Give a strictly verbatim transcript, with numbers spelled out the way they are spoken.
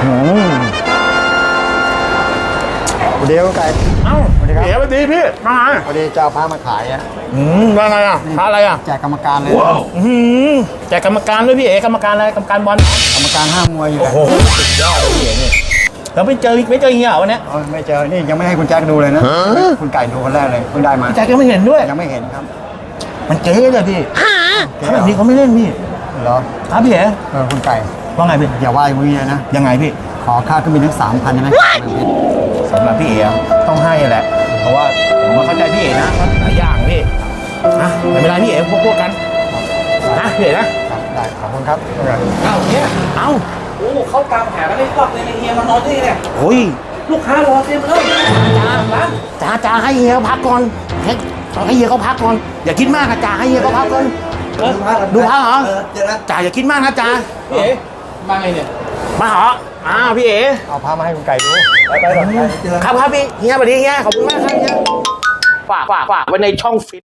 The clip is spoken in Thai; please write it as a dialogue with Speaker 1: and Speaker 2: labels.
Speaker 1: เดี๋ยวไก่เอ้าสวัสดีครับ
Speaker 2: เอ๋สวัสดีพี่มาไง
Speaker 1: พอดีเจ้าพามาขายอ่ะ
Speaker 2: อืมว่าไงอ่ะพาอะไรอ่ะ
Speaker 1: แจกกรรมการเลย
Speaker 2: อืมแจกกรรมการด้วยพี่เอ๋กรรมการอะไรกรรมการบอล
Speaker 1: กรรมการห้ามมวยอยู่
Speaker 2: โอ้โหสุดยอดเลยพี่เอ๋เนี่ยแล้วไม่เจอไม่เจอเงี้ยวันนี้
Speaker 1: เอาไม่เจอนี่ยังไม่ให้คุณแจ็คดูเลยนะคุณไก่ดูคนแรกเลยเพิ่งได้มา
Speaker 2: แจกยังไม่เห็นด้วย
Speaker 1: ยังไม่เห็นครับ
Speaker 2: มันเจ๊เลยพี่เขาแบบนี้เขาไม่เล่นพี่
Speaker 1: เหรอ
Speaker 2: ครับพี่เอ๋
Speaker 1: เออคุณไก่
Speaker 2: ว่าไงพี่
Speaker 1: อย่าว่าอย่างนี้นะ
Speaker 2: ยังไงพี่
Speaker 1: ขอค่าเครื่องบินทั้งสามพันใช่ไหม
Speaker 2: สำหรับพี่เอ๋ต้องให้แหละเพราะว่าผมเข้าใจพี่เอ๋นะหลายอย่างพี่นะไม่เป็นไรพี่เอ๋พวกพวกกันนะพี่เอ๋นะ
Speaker 1: ได้ขอบคุณครับ
Speaker 2: เอ้าเนี่ยเอ้า
Speaker 3: โอ้เขาตามหากันไม่ครอบเลยเฮียมานอนที่นี่เนี่ย
Speaker 2: โอ้ย
Speaker 3: ลูกค้ารอเต็มเลยจ้าร้าน
Speaker 2: จ่าจ่าให้เฮียพักก่อนให้ให้เฮียเขาพักก่อนอย่าคิดมากนะจ่าให้เฮียเขาพักก่อน
Speaker 3: เออ
Speaker 2: ดูพักเหรอ
Speaker 3: เออเจอแล้ว
Speaker 2: จ่าอย่าคิดมากนะจ่า
Speaker 3: พี่เอ๋มาไงเนี่ย
Speaker 2: มาเหรออ้าวพี่เอ๋
Speaker 1: เอาพามาให้คุณไก่ดู
Speaker 3: ไปไปก่อนเจอ
Speaker 2: ครับครับพี่เฮียสวัสดีเฮียขอบคุณมากครับเฮียฝากฝากฝากไว้ในช่องฟิต